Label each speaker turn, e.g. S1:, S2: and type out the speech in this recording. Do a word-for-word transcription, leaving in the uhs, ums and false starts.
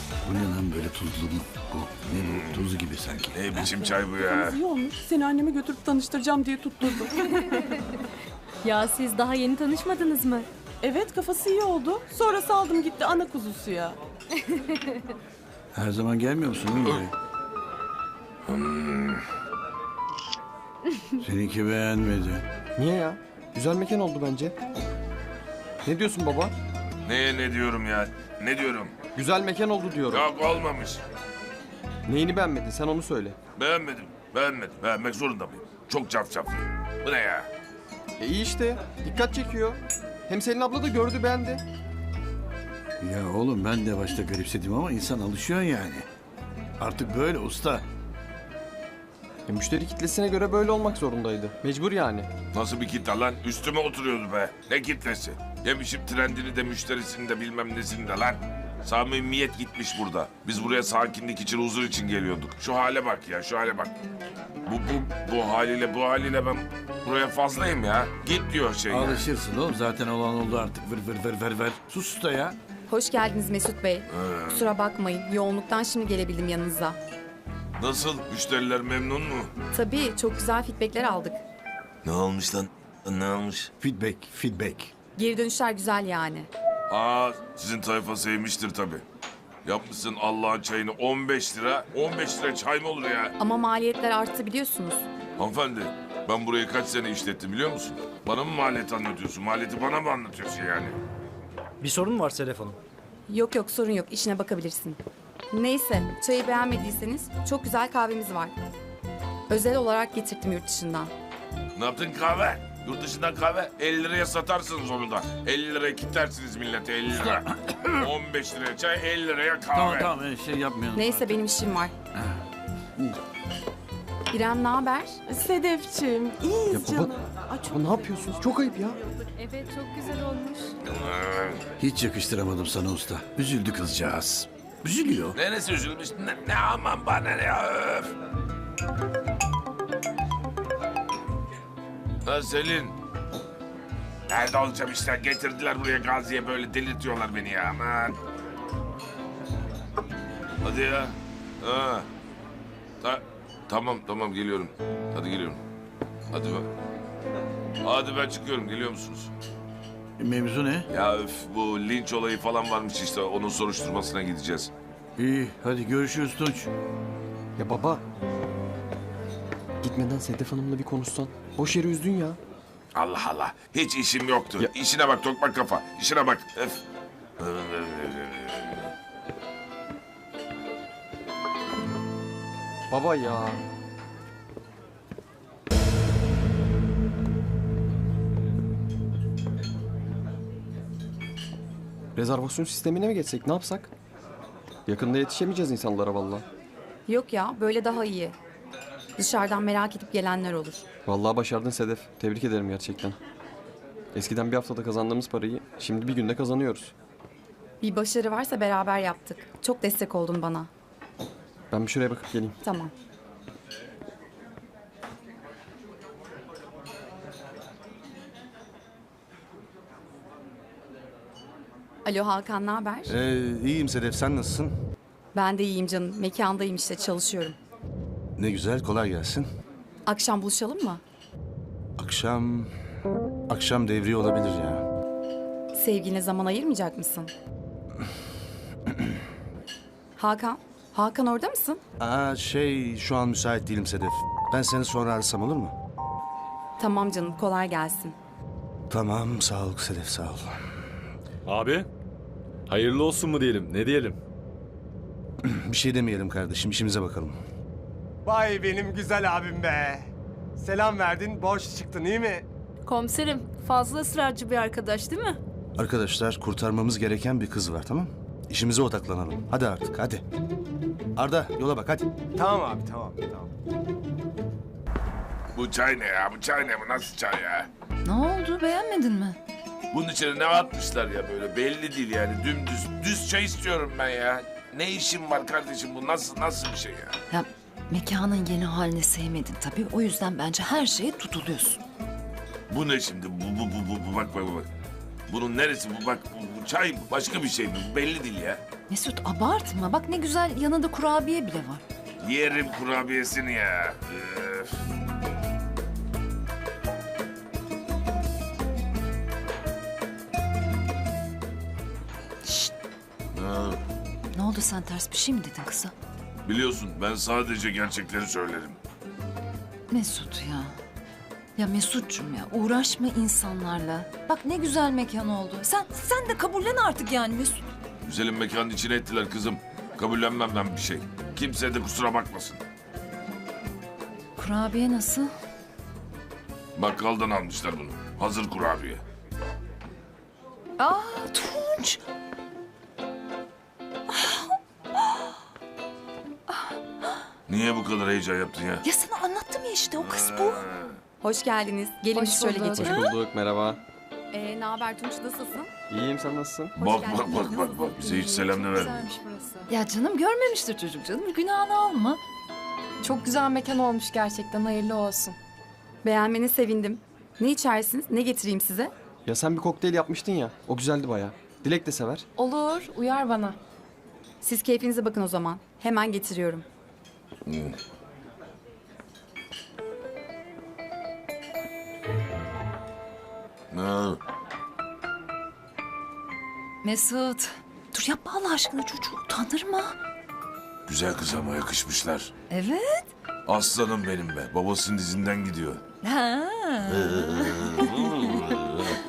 S1: Bu ne lan böyle tuzlu mu? Bu ne bu? Tuzu gibi sanki.
S2: Ne biçim çay bu ya?
S3: Yalnız iyi olmuş. Seni anneme götürüp tanıştıracağım diye tutturdum.
S4: Ya siz daha yeni tanışmadınız mı?
S3: Evet, kafası iyi oldu. Sonra saldım gitti ana kuzusu ya.
S1: Her zaman gelmiyor musun oğlum buraya? Seninki beğenmedi.
S5: Niye ya? Güzel mekan oldu bence. Ne diyorsun baba?
S2: Ne ne diyorum ya? Ne diyorum?
S5: Güzel mekan oldu diyorum.
S2: Yok olmamış.
S5: Neyini beğenmedin sen onu söyle.
S2: Beğenmedim. Beğenmedim. Beğenmek zorunda mıyım? Çok cafcaflı. Bu ne ya?
S5: E iyi işte. Dikkat çekiyor. Hem Selin abla da gördü beğendi.
S1: Ya oğlum ben de başta garipsedim ama insan alışıyor yani. Artık böyle usta.
S5: E, müşteri kitlesine göre böyle olmak zorundaydı. Mecbur yani.
S2: Nasıl bir kitle lan? Üstüme oturuyordu be. Ne kitlesi? Yemişim trendini de müşterisini de bilmem nesini de lan. Samimiyet gitmiş burada. Biz buraya sakinlik için, huzur için geliyorduk. Şu hale bak ya, şu hale bak. Bu, bu, bu haliyle, bu haliyle ben buraya fazlayım ya. Git diyor şey ya.
S1: Alışırsın oğlum zaten olan oldu artık vır vır vır vır vır. Sus usta ya.
S6: Hoş geldiniz Mesut Bey. Kusura bakmayın, yoğunluktan şimdi gelebildim yanınıza.
S2: Nasıl? Müşteriler memnun mu?
S6: Tabii, çok güzel feedbackler aldık.
S2: Ne olmuş lan? Ne olmuş?
S1: Feedback, feedback.
S6: Geri dönüşler güzel yani.
S2: Aa, sizin tayfa sevmiştir tabii. Yapmışsın Allah'ın çayını on beş lira. on beş lira çay mı olur ya?
S6: Ama maliyetler arttı biliyorsunuz.
S2: Hanımefendi, ben burayı kaç sene işlettim biliyor musun? Bana mı maliyet anlatıyorsun? Maliyeti bana mı anlatıyorsun yani?
S7: Bir sorun mu var Sedef Hanım?
S6: Yok yok, sorun yok, işine bakabilirsin. Neyse, çayı beğenmediyseniz çok güzel kahvemiz var. Özel olarak getirttim yurt dışından.
S2: Ne yaptın kahve? Yurt dışından kahve elli liraya satarsınız onu da. elli liraya kitlersiniz millete elli lira. on beş liraya çay, elli liraya kahve.
S1: Tamam tamam öyle şey yapmayalım.
S6: Neyse, benim işim var. İrem, ne haber?
S3: Sedefciğim, iyiyiz
S5: Ya baba-
S3: canım. Ay, çok
S5: Ama ne yapıyorsunuz? Çok ayıp ya.
S4: Evet, çok güzel olmuş.
S1: Hiç yakıştıramadım sana usta. Üzüldü kızcağız. Üzülüyor.
S2: Neresi üzülmüş? Ne, ne aman bana ne ya öf. Ha Selin. Nerede olacağım işte? Getirdiler buraya Gazi'ye böyle delirtiyorlar beni ya aman. Hadi ya. Ha. Ta tamam tamam geliyorum. Hadi geliyorum. Hadi ben. Hadi ben çıkıyorum. Geliyor musunuz?
S1: Mevzu ne?
S2: Ya öf bu linç olayı falan varmış işte. Onun soruşturmasına gideceğiz.
S1: İyi hadi görüşürüz Tunç.
S5: Ya baba. Gitmeden Sedef Hanım'la bir konuşsan. Boş yere üzdün ya.
S2: Allah Allah. Hiç işim yoktu.
S5: Ya-
S2: İşine bak tokmak kafa. İşine bak. Öf.
S5: Baba ya. Rezervasyon sistemine mi geçsek ne yapsak? Yakında yetişemeyeceğiz insanlara vallahi.
S6: Yok ya, böyle daha iyi. Dışarıdan merak edip gelenler olur.
S5: Vallahi başardın Sedef. Tebrik ederim gerçekten. Eskiden bir haftada kazandığımız parayı şimdi bir günde kazanıyoruz.
S6: Bir başarı varsa beraber yaptık. Çok destek oldun bana.
S5: Ben bir şuraya bakıp geleyim.
S6: Tamam. Alo Hakan, ne haber?
S8: Ee, iyiyim Sedef, sen nasılsın?
S6: Ben de iyiyim canım. Mekandayım işte, çalışıyorum.
S8: Ne güzel, kolay gelsin.
S6: Akşam buluşalım mı?
S8: Akşam... Akşam devriye olabilir ya.
S6: Sevgiline zaman ayırmayacak mısın? Hakan, Hakan orada mısın?
S8: Aa şey, şu an müsait değilim Sedef. Ben seni sonra arasam olur mu?
S6: Tamam canım, kolay gelsin.
S8: Tamam, sağ ol Sedef, sağ ol.
S9: Abi, hayırlı olsun mu diyelim, ne diyelim?
S8: Bir şey demeyelim kardeşim, işimize bakalım.
S10: Vay benim güzel abim be. Selam verdin, borç çıktın iyi mi?
S4: Komiserim, fazla ısrarcı bir arkadaş değil mi?
S8: Arkadaşlar, kurtarmamız gereken bir kız var, tamam? İşimize odaklanalım. Hadi artık, hadi. Arda, yola bak, hadi.
S10: Tamam abi, tamam, tamam.
S2: Bu çay ne ya? Bu çay ne? Bu nasıl çay ya?
S4: Ne oldu, beğenmedin mi?
S2: Bunun içine ne atmışlar ya böyle? Belli değil yani. Dümdüz. Düz çay istiyorum ben ya. Ne işim var kardeşim? Bu nasıl nasıl bir şey ya?
S11: Ya mekanın yeni halini sevmedin tabii. O yüzden bence her şeye tutuluyorsun.
S2: Bu ne şimdi? Bu, bu, bu, bu, bu. Bak, bak, bak. Bunun neresi bu bak bu, bu çay mı? Başka bir şey mi? Bu belli değil ya.
S11: Mesut abartma. Bak ne güzel yanında kurabiye bile var.
S2: Yerim kurabiyesini ya. Üf.
S11: Şşt,
S2: Ha,
S11: ne oldu, sen ters bir şey mi dedin kıza?
S2: biliyorsun ben sadece gerçekleri söylerim.
S11: Mesut ya. Ya Mesut'cum ya, uğraşma insanlarla. Bak ne güzel mekan oldu. Sen sen de kabullen artık yani Mesut.
S2: Güzelim mekanın içine ettiler kızım. Kabullenmem ben bir şey. Kimse de kusura bakmasın.
S11: Kurabiye nasıl?
S2: Bakkaldan almışlar bunu. Hazır kurabiye.
S11: Aa Tunç.
S2: Niye bu kadar heyecan yaptın ya?
S11: Ya sana anlattım ya işte, o kız bu.
S6: Hoş geldiniz. Gelin
S11: Hoş
S6: biz şöyle
S11: bulduk.
S5: Hoş
S6: geçelim.
S5: bulduk, merhaba.
S6: Ee, ne haber Tunç, nasılsın?
S5: İyiyim, sen nasılsın?
S2: Bak
S6: geldin.
S2: bak bak bak bak. Bize hiç selam da vermiyor.
S11: Ya canım görmemiştir çocuk canım. Günahını alma.
S3: Çok güzel mekan olmuş gerçekten, hayırlı olsun.
S6: Beğenmene sevindim. Ne içersiniz? Ne getireyim size?
S5: Ya sen bir kokteyl yapmıştın ya, o güzeldi bayağı. Dilek de sever.
S3: Olur, uyar bana.
S6: Siz keyfinize bakın o zaman. Hemen getiriyorum.
S2: Ha,
S11: Mesut. Dur yapma Allah aşkına, çocuğu utandırma.
S2: güzel kız ama yakışmışlar.
S11: Evet.
S2: Aslanım benim be. Babasının dizinden gidiyor.
S11: Ha.